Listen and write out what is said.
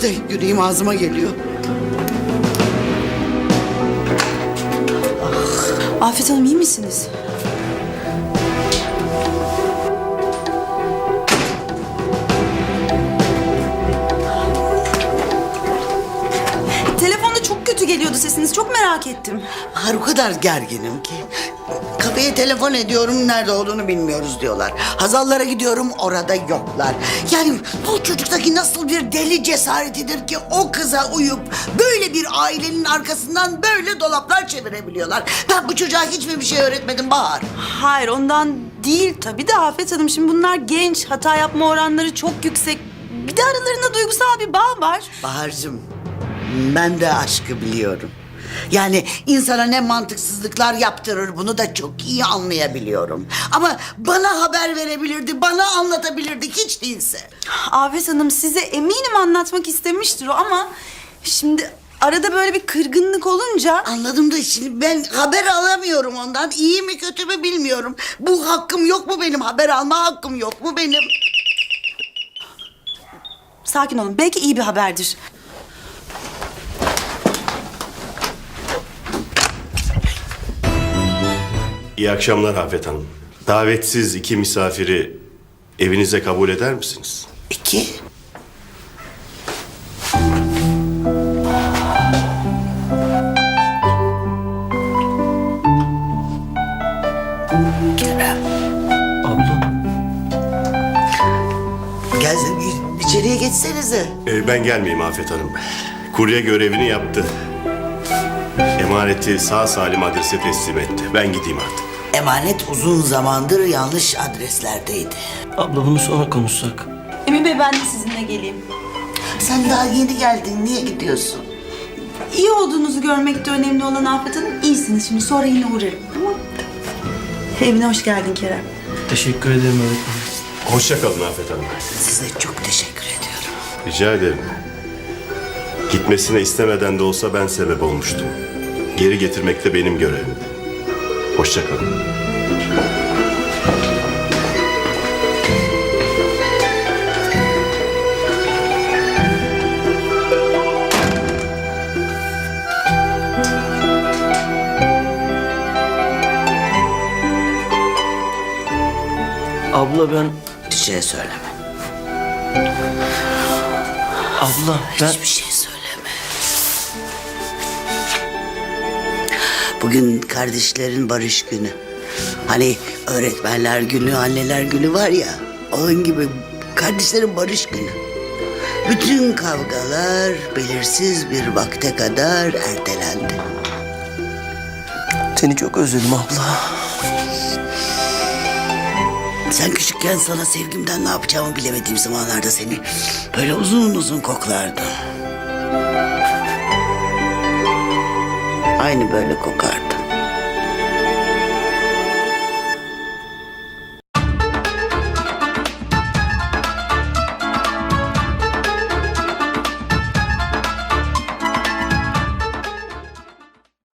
da yüreğim ağzıma geliyor. Afet Hanım iyi misiniz? Telefonda çok kötü geliyordu sesiniz. Çok merak ettim. Bahar, o kadar gerginim ki. Kafeye telefon ediyorum, nerede olduğunu bilmiyoruz diyorlar. Hazallara gidiyorum, orada yoklar. Yani bu çocuktaki nasıl bir deli cesaretidir ki o kıza uyup böyle bir ailenin arkasından böyle dolaplar çevirebiliyorlar. Ben bu çocuğa hiçbir şey öğretmedim Bahar. Hayır ondan değil tabii de Afet Hanım. Şimdi bunlar genç. Hata yapma oranları çok yüksek. Bir de aralarında duygusal bir bağ var. Bahar'cığım, ben de aşkı biliyorum. Yani insana ne mantıksızlıklar yaptırır, bunu da çok iyi anlayabiliyorum. Ama bana haber verebilirdi, bana anlatabilirdi hiç değilse. Afet Hanım size eminim anlatmak istemiştir o ama... Şimdi arada böyle bir kırgınlık olunca... Anladım da şimdi ben haber alamıyorum ondan. İyi mi kötü mü bilmiyorum. Bu hakkım yok mu benim? Haber alma hakkım yok mu benim? Sakin olun. Belki iyi bir haberdir. İyi akşamlar Afet Hanım. Davetsiz iki misafiri evinize kabul eder misiniz? İki. Kerem. Abla. Gel içeriye geçsenize. Ben gelmeyeyim Afet Hanım. Kurye görevini yaptı. Emaneti sağ salim adrese teslim etti. Ben gideyim artık. Emanet uzun zamandır yanlış adreslerdeydi. Abla bunu sonra konuşsak. Emin Bey ben de sizinle geleyim. Sen daha yeni geldin, niye gidiyorsun? İyi olduğunuzu görmek de önemli olan Afet Hanım. İyisiniz şimdi. Sonra yine uğrarım. Tamam. Evine hoş geldin Kerem. Teşekkür ederim öğretmenim. Hoşça kalın Afet Hanım. Size çok teşekkür ediyorum. Rica ederim. Gitmesine istemeden de olsa ben sebep olmuştum. Geri getirmek de benim görevimdi. Hoşça kalın. Abla ben... Bir şey söyleme. Abla ben... Hiçbir şey söyleme. Bugün kardeşlerin barış günü. Hani öğretmenler günü, anneler günü var ya. Onun gibi kardeşlerin barış günü. Bütün kavgalar belirsiz bir vakte kadar ertelendi. Seni çok özledim abla. Sen küçükken sana sevgimden ne yapacağımı bilemediğim zamanlarda seni böyle uzun uzun koklardım. Aynı böyle kokardı.